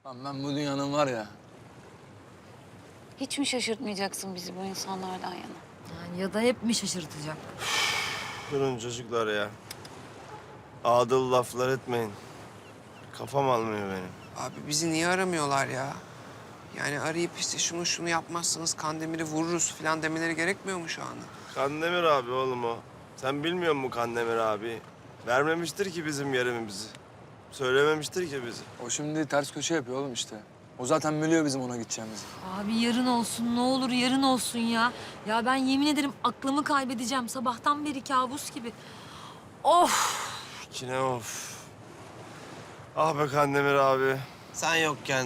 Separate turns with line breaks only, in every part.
Lan ben bu dünyanın var ya.
Hiç mi şaşırtmayacaksın bizi bu insanlardan yana?
Yani ya da hep mi şaşırtacak?
Durun çocuklar ya. Adıl laflar etmeyin. Kafam almıyor benim.
Abi bizi niye aramıyorlar ya? Yani arayıp işte şunu yapmazsanız Kandemir'i vururuz falan demeleri gerekmiyor mu şu anda?
Kandemir abi oğlum o. Sen bilmiyor musun Kandemir abi? Vermemiştir ki bizim yerimizi. Söylememiştir ki bizi.
O şimdi ters köşe yapıyor oğlum işte. O zaten biliyor bizim ona gideceğimizi.
Abi yarın olsun, ne olur yarın olsun ya. Ya ben yemin ederim aklımı kaybedeceğim. Sabahtan beri kabus gibi. Of!
Yine of. Ah be Kandemir abi. Sen yokken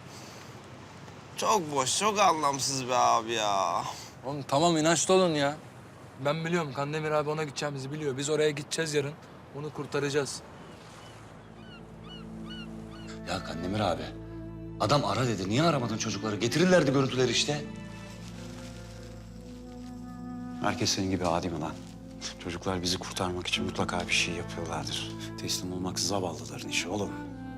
çok boş, çok anlamsız be abi ya.
Oğlum tamam inançlı olun ya. Ben biliyorum Kandemir abi ona gideceğimizi biliyor. Biz oraya gideceğiz yarın. Onu kurtaracağız.
Ya Kandemir abi, adam ara dedi. Niye aramadın çocukları? Getirirlerdi görüntüleri işte.
Herkes senin gibi adi mi lan? Çocuklar bizi kurtarmak için mutlaka bir şey yapıyorlardır. Teslim olmak zavallıların işi oğlum.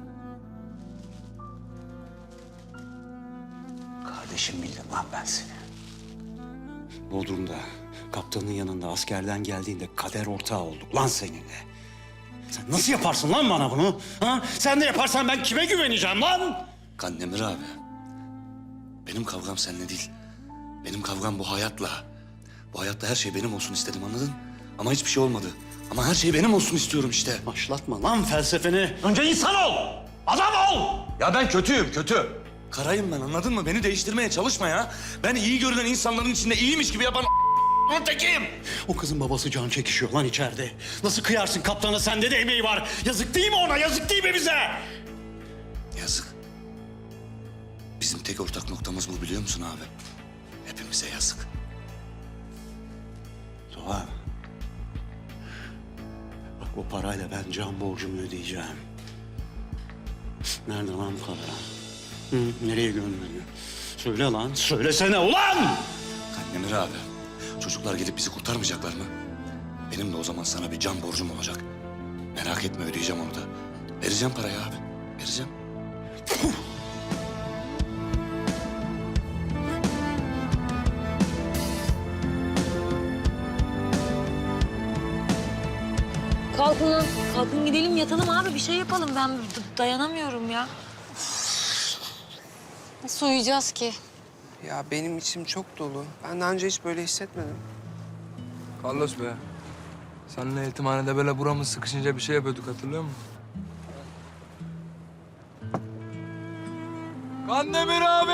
Kardeşim bildim lan ben seni. Bodrum'da, kaptanın yanında askerden geldiğinde kader ortağı olduk lan seninle. Sen nasıl yaparsın lan bana bunu? Ha? Sen de yaparsan ben kime güveneceğim lan?
Kandemir abi, benim kavgam seninle değil. Benim kavgam bu hayatla. Bu hayatta her şey benim olsun istedim, anladın? Ama hiçbir şey olmadı. Ama her şey benim olsun istiyorum işte.
Başlatma lan felsefeni. Önce insan ol! Adam ol!
Ya ben kötüyüm, kötü. Karayım ben, anladın mı? Beni değiştirmeye çalışma ya. Ben iyi görünen insanların içinde iyiymiş gibi yapan tekiyim.
O kızın babası can çekişiyor lan içeride. Nasıl kıyarsın kaptana, sende de emeği var. Yazık değil mi ona, yazık değil mi bize?
Yazık. Bizim tek ortak noktamız bu, biliyor musun abi? Hepimize yazık.
Doğa. Bak o parayla ben can borcumu ödeyeceğim. Nerede lan bu para? Hı, nereye gönderiyor? Söyle lan, söylesene ulan!
Kandemir abi, çocuklar gelip bizi kurtarmayacaklar mı? Benim de o zaman sana bir can borcum olacak. Merak etme, ödeyeceğim onu da. Vereceğim parayı abi, vereceğim.
Kalkın lan. Kalkın gidelim yatalım abi. Bir şey yapalım. Ben dayanamıyorum ya.
Nasıl uyuyacağız ki?
Ya benim içim çok dolu. Ben daha önce hiç böyle hissetmedim.
Carlos be. Seninle yetimhanede böyle buramız sıkışınca bir şey yapıyorduk, hatırlıyor musun? Kandemir abi!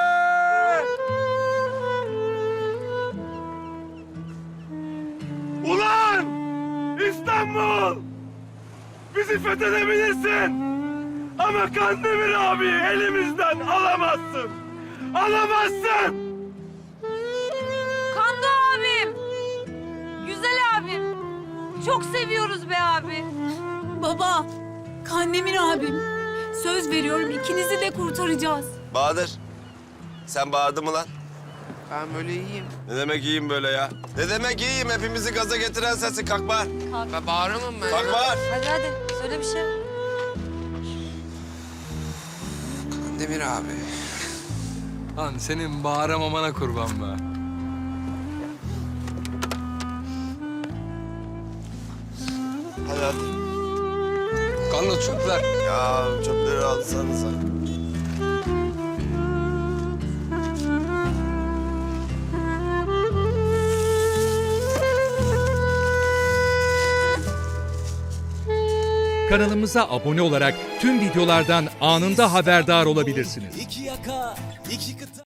Ulan! İstanbul! Bizi fethedebilirsin! Ama Kandemir abi elimizden alamazsın! Alamazsın!
Kando abim. Güzel abim. Çok seviyoruz be abi.
Baba, Kandemir abim. Söz veriyorum ikinizi de kurtaracağız.
Bahadır, sen bağırdın mı lan?
Ben böyle iyiyim.
Ne demek iyiyim böyle ya? Ne demek iyiyim? Hepimizi gaza getiren sensin. Kalk bağır.
Ben bağıramam ben.
Kalk bağır.
Hadi hadi. Söyle bir şey.
Kandemir abi.
Lan senin bağıramamana kurban be.
Hadi hadi.
Carlos çöpler.
Ya çöpleri alsanıza.
Kanalımıza abone olarak tüm videolardan anında haberdar olabilirsiniz.
İki yaka, iki kıta.